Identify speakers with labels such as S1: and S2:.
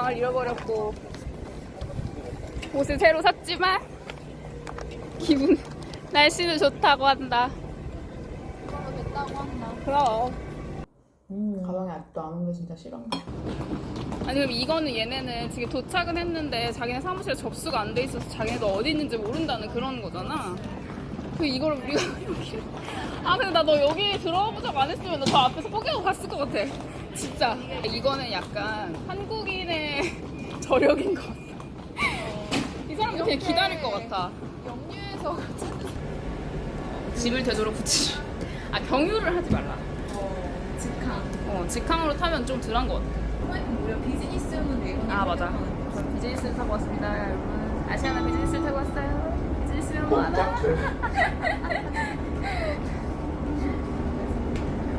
S1: 가방을 잃어버렸고 옷을 새로 샀지만 날씨는 좋다고 한다.
S2: 이걸로 됐다고 한다.
S1: 그럼.
S3: 가방에 아직도 안 온 게 진짜 싫은가?
S1: 아니 그럼 이거는 얘네는 지금 도착은 했는데 자기네 사무실에 접수가 안 돼 있어서 자기네도 어디 있는지 모른다는 그런 거잖아. 그 이걸 우리가 여기 근데 나 너 여기 들어가 보자고 안 했으면 나 저 앞에서 포기하고 갔을 것 같아. 진짜. 이거는 약간 한국인의 저력인 것 같아. 이 사람들 그냥 기다릴 것 같아.
S2: 영유에서
S1: 집을 되도록 붙이지. 경유를 하지 말라.
S2: 직항.
S1: 직항으로 타면 좀 덜한 것 같아.
S2: 무려 비즈니스용은 외국인.
S1: 맞아. 저 비즈니스를 타고 왔습니다, 여러분. 아시아나 비즈니스를 타고 왔어요. 비즈니스면 뭐하나?